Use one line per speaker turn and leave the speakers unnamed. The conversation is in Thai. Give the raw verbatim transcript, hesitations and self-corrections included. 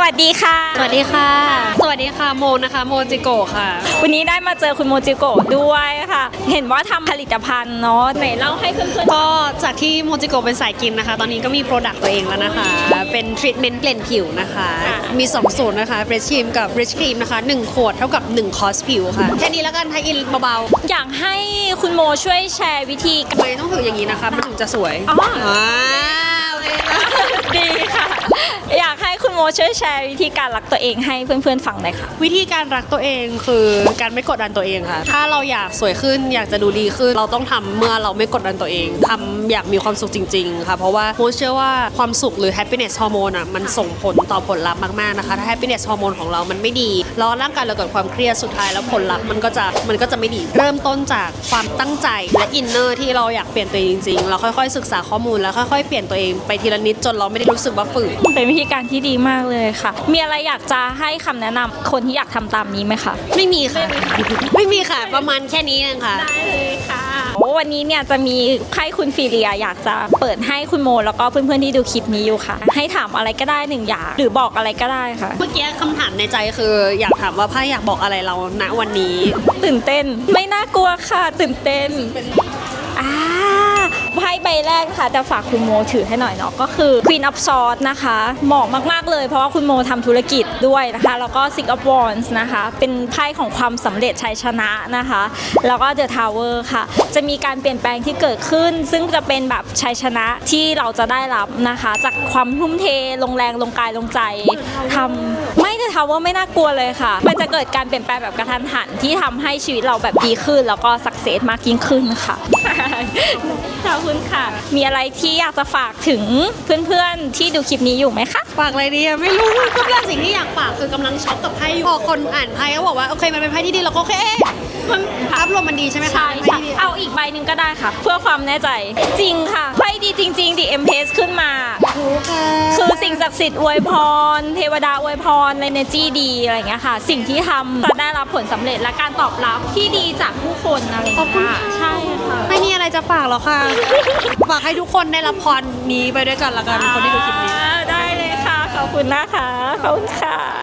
วัสดีค่ะ
สวัสดีค่ะสวัสดีค่ะโมนะคะโมจิโกะค่ะ
วันนี้ได้มาเจอคุณโมจิโกะด้วยค่ะเห็นว่าทำผลิตภัณฑ์เนาะไหนเล่าให้เพื่อนๆ
ก็จากที่โมจิโกะเป็นสายกินนะคะตอนนี้ก็มีโปรดักต์ตัวเองแล้วนะคะเป็นทรีทเมนต์เปลี่ยนผิวนะคะมีสองสูตรนะคะเบรชครีมกับเบรชครีมนะคะหนึ่งขวดเท่ากับหนึ่งคอร์สผิวค่ะแค่นี้แล้วกันไทยอินเบา
ๆอยากให้คุณโมช่วยแชร์วิธี
ทำไมต้องถืออย่างนี้นะคะมันถึงจะสวย
อ๋อ
ดี
ค่ะอยากให้คุณโมช่วยแชร์วิธีการรักตัวเองให้เพื่อนๆฟังหน่อยค่ะ
วิธีการรักตัวเองคือการไม่กดดันตัวเองค่ะถ้าเราอยากสวยขึ้นอยากจะดูดีขึ้นเราต้องทำเมื่อเราไม่กดดันตัวเองทำอยากมีความสุขจริงๆค่ะเพราะว่าโมเชื่อว่าความสุขหรือ happiness hormone อ่ะมันส่งผลต่อผลลัพธ์มากๆนะคะถ้า happiness hormone ของเรามันไม่ดีแล้วร่างกายเราเกิดความเครียดสุดท้ายแล้วผลลัพธ์มันก็จะมันก็จะไม่ดีเริ่มต้นจากความตั้งใจและอินเนอร์ที่เราอยากเปลี่ยนตัวเองจริงๆเราค่อยๆศึกษาข้อมูลแล้วค่อยๆเปลี่ยนตัวเองไปทีละนิดจนเราไม่ได้รู้สึกว่าฝืน
เป็นวิธีการที่ดีมากเลยค่ะมีอะไรอยากจะให้คำแนะนำคนที่อยากทำตามนี้ไหมคะ
ไม่มีค่ะไม่มีค่ะประมาณแค่นี้เองค่ะ
ได้เลยค่ะวันนี้เนี่ยจะมีให้คุณฟีเรียอยากจะเปิดให้คุณโมแล้วก็เพื่อนๆที่ดูคลิปนี้อยู่ค่ะให้ถามอะไรก็ได้หนึ่งอย่างหรือบอกอะไรก็ได้ค่ะ
เมื่อกี้คำถามในใจคืออยากถามว่าไพ่อยากบอกอะไรเราณวันนี้
ตื่นเต้นไม่น่ากลัวค่ะตื่นเต้นอ่าไพ่ใบแรกค่ะจะฝากคุณโมถือให้หน่อยเนาะก็คือ Queen of Swords นะคะเหมาะมากๆเลยเพราะว่าคุณโมทำธุรกิจด้วยนะคะแล้วก็ Six of Wands นะคะเป็นไพ่ของความสำเร็จชัยชนะนะคะแล้วก็ The Tower ค่ะจะมีการเปลี่ยนแปลงที่เกิดขึ้นซึ่งจะเป็นแบบชัยชนะที่เราจะได้รับนะคะจากความทุ่มเทลงแรงลงกายลงใจทำไม่ The Tower ไม่น่ากลัวเลยค่ะมันจะเกิดการเปลี่ยนแปลงแบบกระทันหันที่ทำให้ชีวิตเราแบบดีขึ้นแล้วก็สักเซสมากยิ่งขึ้นค่ะขอบคุณค่ะมีอะไรที่อยากจะฝากถึงเพื่อนๆที่ดูคลิปนี้อยู่ไหมคะ
ฝากอะไรดีอะไม่รู้ก็เป็นสิ่งที่อยากฝากคือกำลังช็อปกับไพ่อยู่พอคนอ่านไพ่เขาบอกว่าโอเคมันเป็นไพ่ที่ดีเราก็โอเคมันภาพรวมมันดีใช่ไหมคะ
ใช่ค่ะเอาอีกใบหนึ่งก็ได้ค่ะเพื่อความแน่ใจจริงค่ะไพ่ดีจริงๆดิเอ็มเพสขึ้นมาคือสิ่งศักดิ์สิทธิ์อวยพรเทวดาอวยพรเอเนจีดีอะไรอย่างเงี้ยค่ะสิ่งที่ทำจะได้รับผลสำเร็จและการตอบรับที่ดีจากผู้คนอะไรอย่างเงี้ยใช่ค่ะ
ไม่มีอะไรจะฝากหรอกค่ะฝากให้ทุกคนได้รับพรนี้ไปด้วยกันละกันคนที่ดูคลิปนี้
ได้เลยค่ะขอบคุณนะคะขอบคุณค่ะ